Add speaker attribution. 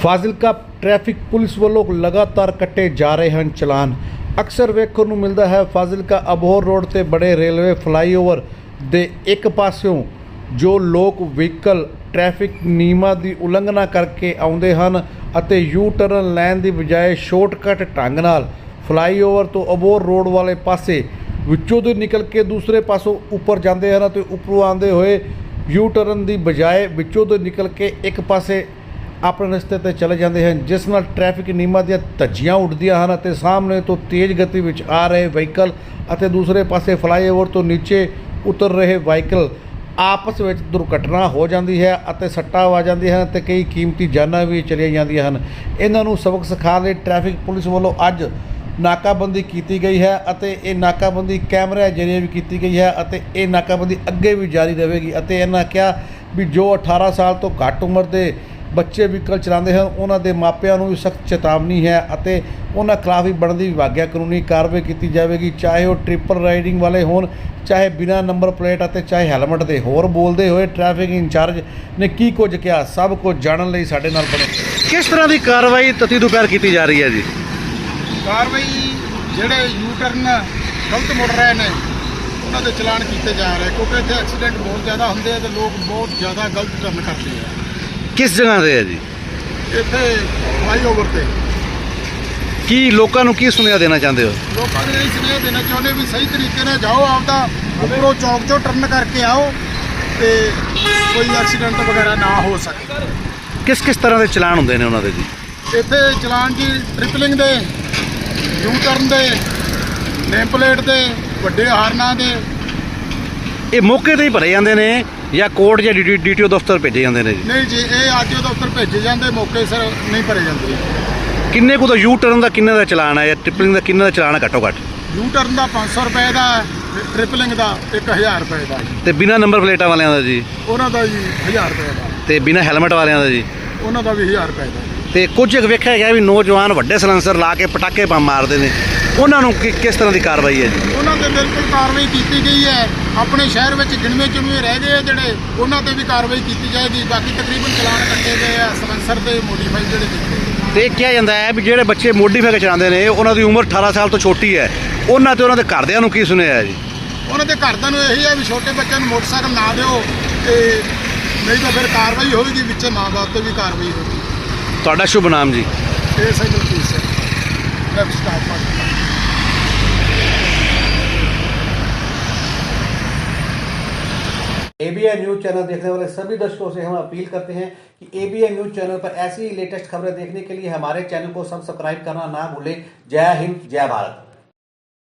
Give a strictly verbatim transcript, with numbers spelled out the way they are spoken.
Speaker 1: Fazilka traffic police ਵੱਲੋਂ ਲਗਾਤਾਰ ਕੱਟੇ ਜਾ ਰਹੇ ਹਨ ਚਲਾਨ। ਅਕਸਰ ਵੇਖਣ ਨੂੰ ਮਿਲਦਾ ਹੈ ਫਾਜ਼ਿਲਕਾ ਅਬੋਹਰ ਰੋਡ ਤੇ ਬੜੇ ਰੇਲਵੇ ਫਲਾਈਓਵਰ ਦੇ ਇੱਕ ਪਾਸਿਓਂ ਜੋ ਲੋਕ ਵਹੀਕਲ ਟ੍ਰੈਫਿਕ ਨਿਯਮਾਂ ਦੀ ਉਲੰਘਣਾ ਕਰਕੇ ਆਉਂਦੇ ਹਨ ਅਤੇ ਯੂ ਟਰਨ ਲੈਣ ਦੀ ਬਜਾਏ ਸ਼ਾਰਟਕਟ ਢੰਗ ਨਾਲ ਫਲਾਈਓਵਰ ਤੋਂ ਅਬੋਹਰ ਰੋਡ ਵਾਲੇ ਪਾਸੇ ਵਿੱਚੋਂ ਦੀ ਨਿਕਲ ਕੇ ਦੂਸਰੇ ਪਾਸੋਂ ਉੱਪਰ ਜਾਂਦੇ ਹਨ ਅਤੇ ਉੱਪਰੋਂ ਆਉਂਦੇ ਹੋਏ ਯੂ ਟਰਨ ਦੀ ਬਜਾਏ ਵਿੱਚੋਂ ਦੀ ਨਿਕਲ ਕੇ ਇੱਕ ਪਾਸੇ ਆਪਣੇ ਰਸਤੇ ਤੇ ਚਲੇ ਜਾਂਦੇ ਹਨ, ਜਿਸ ਨਾਲ ਟ੍ਰੈਫਿਕ ਨਿਯਮਾਂ ਦੀਆਂ ਧੱਜੀਆਂ ਉੱਡਦੀਆਂ ਹਨ ਅਤੇ ਸਾਹਮਣੇ ਤੋਂ ਤੇਜ਼ ਗਤੀ ਵਿੱਚ ਆ ਰਹੇ ਵਹੀਕਲ ਅਤੇ ਦੂਸਰੇ ਪਾਸੇ ਫਲਾਈਓਵਰ ਤੋਂ ਨੀਚੇ ਉਤਰ ਰਹੇ ਵਹੀਕਲ ਆਪਸ ਵਿੱਚ ਦੁਰਘਟਨਾ ਹੋ ਜਾਂਦੀ ਹੈ ਅਤੇ ਸੱਟਾਂ ਆ ਜਾਂਦੀਆਂ ਹਨ ਅਤੇ ਕਈ ਕੀਮਤੀ ਜਾਨਾਂ ਵੀ ਚਲੀਆਂ ਜਾਂਦੀਆਂ ਹਨ। ਇਹਨਾਂ ਨੂੰ ਸਬਕ ਸਿਖਾਉਣ ਲਈ ਟ੍ਰੈਫਿਕ ਪੁਲਿਸ ਵੱਲੋਂ ਅੱਜ ਨਾਕਾਬੰਦੀ ਕੀਤੀ ਗਈ ਹੈ ਅਤੇ ਇਹ ਨਾਕਾਬੰਦੀ ਕੈਮਰਿਆਂ ਜ਼ਰੀਏ ਵੀ ਕੀਤੀ ਗਈ ਹੈ ਅਤੇ ਇਹ ਨਾਕਾਬੰਦੀ ਅੱਗੇ ਵੀ ਜਾਰੀ ਰਹੇਗੀ ਅਤੇ ਇਹਨਾਂ ਕਿਹਾ ਵੀ ਜੋ ਅਠਾਰਾਂ ਸਾਲ ਤੋਂ ਘੱਟ ਉਮਰ ਦੇ ਬੱਚੇ ਵਹੀਕਲ ਚਲਾਉਂਦੇ ਹਨ ਉਹਨਾਂ ਦੇ ਮਾਪਿਆਂ ਨੂੰ ਵੀ ਸਖਤ ਚੇਤਾਵਨੀ ਹੈ ਅਤੇ ਉਹਨਾਂ ਖਿਲਾਫ ਵੀ ਬਣਦੀ ਵਿਭਾਗਿਆ ਕਾਨੂੰਨੀ ਕਾਰਵਾਈ ਕੀਤੀ ਜਾਵੇਗੀ, ਚਾਹੇ ਉਹ ਟ੍ਰਿਪਲ ਰਾਈਡਿੰਗ ਵਾਲੇ ਹੋਣ, ਚਾਹੇ ਬਿਨਾਂ ਨੰਬਰ ਪਲੇਟ ਅਤੇ ਚਾਹੇ ਹੈਲਮਟ ਦੇ। ਹੋਰ ਬੋਲਦੇ ਹੋਏ ਟ੍ਰੈਫਿਕ ਇੰਚਾਰਜ ਨੇ ਕੀ ਕੁਝ ਕਿਹਾ, ਸਭ ਕੁਝ ਜਾਣਨ ਲਈ ਸਾਡੇ ਨਾਲ ਬਣੇ।
Speaker 2: ਕਿਸ ਤਰ੍ਹਾਂ ਦੀ ਕਾਰਵਾਈ ਤਤੀ ਦੁਪਹਿਰ ਕੀਤੀ ਜਾ ਰਹੀ ਹੈ ਜੀ?
Speaker 3: ਕਾਰਵਾਈ ਜਿਹੜੇ ਯੂ ਟਰਨ ਗਲਤ ਮੁੜ ਰਹੇ ਨੇ ਉਹਨਾਂ ਦੇ ਚਲਾਨ ਕੀਤੇ ਜਾ ਰਹੇ, ਕਿਉਂਕਿ ਇੱਥੇ ਐਕਸੀਡੈਂਟ ਬਹੁਤ ਜ਼ਿਆਦਾ ਹੁੰਦੇ ਆ ਤੇ ਲੋਕ ਬਹੁਤ ਜ਼ਿਆਦਾ ਗਲਤ ਟਰਨ ਕਰਦੇ ਆ।
Speaker 2: ਕਿਸ ਜਗ੍ਹਾ ਤੇ ਹੈ ਜੀ?
Speaker 3: ਇੱਥੇ ਫਲਾਈਓਵਰ ਤੇ।
Speaker 2: ਕੀ ਲੋਕਾਂ ਨੂੰ ਕੀ ਸੁਨੇਹਾ ਦੇਣਾ ਚਾਹੁੰਦੇ ਹੋ?
Speaker 3: ਲੋਕਾਂ ਨੂੰ ਇਹ ਸੁਨੇਹਾ ਦੇਣਾ ਚਾਹੁੰਦੇ ਵੀ ਸਹੀ ਤਰੀਕੇ ਨਾਲ ਜਾਓ, ਆਪਦਾ ਉੱਪਰੋਂ ਚੌਂਕ 'ਚੋਂ ਟਰਨ ਕਰਕੇ ਆਓ ਤੇ ਕੋਈ ਐਕਸੀਡੈਂਟ ਵਗੈਰਾ ਨਾ ਹੋ ਸਕੇ।
Speaker 2: ਕਿਸ ਕਿਸ ਤਰ੍ਹਾਂ ਦੇ ਚਲਾਨ ਹੁੰਦੇ ਨੇ ਉਹਨਾਂ ਦੇ ਜੀ?
Speaker 3: ਇੱਥੇ ਚਲਾਨ ਜੀ ਟ੍ਰਿਪਲਿੰਗ ਦੇ, ਯੂ ਟਰਨ ਦੇ, ਨੇਮ ਪਲੇਟ ਦੇ, ਵੱਡੇ ਹਾਰਨਾਂ ਦੇ।
Speaker 2: ਇਹ ਮੌਕੇ ਤੇ ਹੀ ਭਰੇ ਜਾਂਦੇ ਨੇ ਜਾਂ ਕੋਰਟ ਜਾਂ ਡੀਟੀਓ ਦਫ਼ਤਰ ਭੇਜੇ ਜਾਂਦੇ ਨੇ ਜੀ?
Speaker 3: ਨਹੀਂ ਜੀ, ਇਹ ਅੱਜ ਦਫ਼ਤਰ ਭੇਜੇ ਜਾਂਦੇ, ਮੌਕੇ ਸਿਰ ਨਹੀਂ ਭਰੇ ਜਾਂਦੇ।
Speaker 2: ਕਿੰਨੇ ਕੁ ਦਾ ਯੂ ਟਰਨ ਦਾ ਕਿੰਨੇ ਦਾ ਚਲਾਨ ਹੈ ਜਾਂ ਟ੍ਰਿਪਲਿੰਗ ਦਾ ਕਿੰਨੇ ਦਾ ਚਲਾਨ ਹੈ ਘੱਟੋ ਘੱਟ?
Speaker 3: ਯੂ ਟਰਨ ਦਾ ਪੰਜ ਸੌ ਰੁਪਏ ਦਾ, ਟ੍ਰਿਪਲਿੰਗ ਦਾ ਇੱਕ ਹਜ਼ਾਰ ਰੁਪਏ ਦਾ।
Speaker 2: ਤੇ ਬਿਨਾਂ ਨੰਬਰ ਪਲੇਟਾਂ ਵਾਲਿਆਂ ਦਾ ਜੀ?
Speaker 3: ਉਹਨਾਂ ਦਾ ਜੀ ਹਜ਼ਾਰ ਰੁਪਏ ਦਾ।
Speaker 2: ਤੇ ਬਿਨਾਂ ਹੈਲਮਟ ਵਾਲਿਆਂ ਦਾ ਜੀ?
Speaker 3: ਉਹਨਾਂ ਦਾ ਵੀ ਹਜ਼ਾਰ ਰੁਪਏ ਦਾ।
Speaker 2: ਤੇ ਕੁਝ ਵੇਖਿਆ ਗਿਆ ਵੀ ਨੌਜਵਾਨ ਵੱਡੇ ਸਲੈਂਸਰ ਲਾ ਕੇ ਪਟਾਕੇ ਬੰਬ ਮਾਰਦੇ ਨੇ, ਉਹਨਾਂ ਨੂੰ ਕਿ- ਕਿਸ ਤਰ੍ਹਾਂ ਦੀ ਕਾਰਵਾਈ ਹੈ ਜੀ?
Speaker 3: ਉਹਨਾਂ ਤੇ ਬਿਲਕੁਲ ਕਾਰਵਾਈ ਕੀਤੀ ਗਈ ਹੈ। ਆਪਣੇ ਸ਼ਹਿਰ ਵਿੱਚ ਗਿਣਵੇਂ ਚੁਣਵੇਂ ਰਹਿ ਗਏ ਆ ਜਿਹੜੇ, ਉਹਨਾਂ ਤੇ ਵੀ ਕਾਰਵਾਈ ਕੀਤੀ ਜਾਏਗੀ। ਬਾਕੀ ਤਕਰੀਬਨ ਚਲਾਨ ਕੱਟੇ ਗਏ ਆ ਸਲੈਂਸਰ ਦੇ ਮੋਡੀਫਾਈ ਜਿਹੜੇ ਕੀਤੇ।
Speaker 2: ਤੇ ਇਹ ਕਿਹਾ ਜਾਂਦਾ ਹੈ ਵੀ ਜਿਹੜੇ ਬੱਚੇ ਮੋਡੀਫਾਈ ਚਲਾਉਂਦੇ ਨੇ ਉਹਨਾਂ ਦੀ ਉਮਰ ਅਠਾਰਾਂ ਸਾਲ ਤੋਂ ਛੋਟੀ ਹੈ, ਉਹਨਾਂ ਤੇ ਉਹਨਾਂ ਦੇ ਘਰਦਿਆਂ ਨੂੰ ਕੀ ਸੁਣਿਆ ਹੈ ਜੀ?
Speaker 3: ਉਹਨਾਂ ਦੇ ਘਰਦਿਆਂ ਨੂੰ ਇਹੀ ਹੈ ਵੀ ਛੋਟੇ ਬੱਚਿਆਂ ਨੂੰ ਮੋਟਰਸਾਈਕਲ ਨਾ ਦਿਓ, ਤੇ ਨਹੀਂ ਤਾਂ ਫਿਰ ਕਾਰਵਾਈ ਹੋਵੇਗੀ, ਵਿੱਚੇ ਮਾਂ ਬਾਪ ਤੇ ਵੀ ਕਾਰਵਾਈ ਹੋਵੇਗੀ।
Speaker 2: ਤੁਹਾਡਾ ਸ਼ੁਭ ਨਾਮ ਜੀ?
Speaker 3: ਇਹ ਸਹੀ ਗਲਤੀ ਹੈ traffic staff party.
Speaker 1: ABN news channel देखने वाले सभी दर्शकों से हम अपील करते हैं कि एबीएन न्यूज चैनल पर ऐसी लेटेस्ट खबरें देखने के लिए हमारे चैनल को सब्सक्राइब करना ना भूलें। जय हिंद, जय भारत।